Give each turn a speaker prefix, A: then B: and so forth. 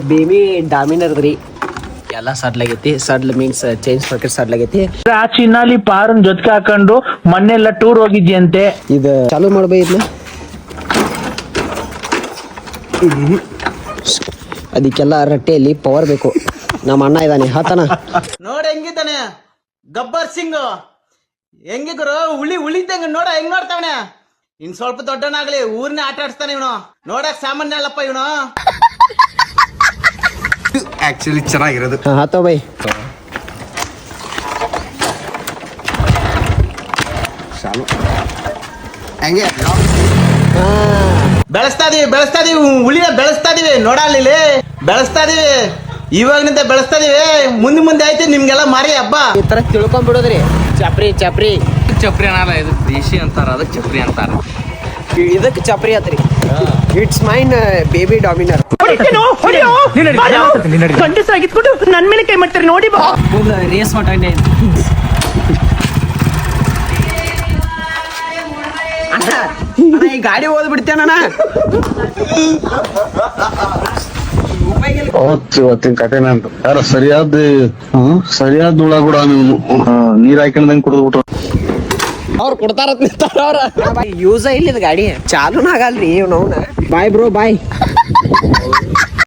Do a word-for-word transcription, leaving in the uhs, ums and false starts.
A: Baby Dominar ರೀ ಎಲ್ಲ ಸಡ್ಲಾಗೈತಿ. ಸಡ್ಲ್ ಮೀನ್ಸ್ ಚೈನ್ ಸ್ಪಾಕೆಟ್ ಸಡ್ಲಾಗೈತಿ.
B: ಆ ಚಿನ್ನಾಲಿ ಪಾರನ್ ಜೊತೆಗೆ ಹಾಕೊಂಡು ಮೊನ್ನೆಲ್ಲ ಟೂರ್ ಹೋಗಿದ್ಯಂತೆ.
A: ಇದು ಚಾಲು ಮಾಡ್ಬೇ ಇದನ್ನ. ಅದಕ್ಕೆಲ್ಲ ರಟ್ಟೆಯಲ್ಲಿ ಪವರ್ ಬೇಕು. ನಮ್ಮ ಅಣ್ಣ ಇದ್ದಾನೆ ಹತನ
C: ನೋಡ ಹೆಂಗಿದ್ದಾನೆ ಗಬ್ಬರ್ ಸಿಂಗ್ ಹೆಂಗಿ ಗುರು ಉಳಿ ಉಳಿದಂಗ ನೋಡ ಹೆಂಗ್ ನೋಡ್ತಾವನೆ. ಇನ್ ಸ್ವಲ್ಪ ದೊಡ್ಡನಾಗ್ಲಿ ಊರ್ನೇ ಆಟ ಆಡ್ಸ್ತಾನೆ ಇವನು. ನೋಡಕ್ ಸಾಮಾನ್ಯ ಅಲ್ಲಪ್ಪ ಇವನು.
D: ಆಕ್ಚುಲಿ ಚೆನ್ನಾಗಿರೋದು.
A: ಹತ್ತೋ ಬೈ.
D: ಹಂಗೆ
C: ಬೆಳೆಸ್ತಾ ಇದೀವಿ ಬೆಳೆಸ್ತಾ ಇದೀವಿ ಉಳಿನ ಬೆಳೆಸ್ತಾ ಇದೀವಿ. ನೋಡಲ್ಲಿ ಬೆಳೆಸ್ತಾ ಇದೀವಿ. ಇವಾಗಿನಿಂದ ಬೆಳೆಸ್ತಾ ಇದೀವಿ. ಮುಂದೆ ಮುಂದೆ ಆಯ್ತು ನಿಮ್ಗೆಲ್ಲ ಮಾರಿ ಹಬ್ಬ.
A: ಈ ತರ ತಿಳ್ಕೊಂಡ್ಬಿಡೋದ್ರಿ. ಚಪ್ರಿ ಚಪ್ರಿ
E: ಚಪ್ರಿ ಅನ್ನಲ್ಲ, ಇದು ದೇಶಿ ಅಂತಾರ, ಅದಕ್ಕೆ ಚಪ್ರಿ ಅಂತಾರ.
A: ಇದಕ್ಕೆ ಚಪ್ರಿ ಆತ್ರಿ. It's mine baby Dominar.
B: ಗಂಡಸಾಗಿದ್ಬಿಟ್ಟು ನನ್ ಮೇಲೆ ಕೈ ಮಾಡ್ತಾರೆ ನೋಡಿ. ಬಾ
A: ರೇಸ್ ಮಾಡ ಈ ಗಾಡಿ ಓದ್ ಬಿಡ್ತೇನ.
F: ಇವತ್ತಿನ ಕಥೆನ ಅಂತ ಯಾರ ಸರಿಯಾದ ಸರಿಯಾದ ಹುಳ ಕೂಡ ನೀವು ನೀರ್ ಹಾಕೊಂಡಂಗ್ ಕುಡಿದ್ಬಿಟ್ರು.
A: ಅವ್ರು ಕೊಡ್ತಾರ ಅವ್ರ ಯೂಸ ಇಲ್ಲ ಗಾಡಿ ಚಾಲೂನ ಆಗಲ್ರಿ ಇವ್ ನೋವ್ನ. Bye bro bye.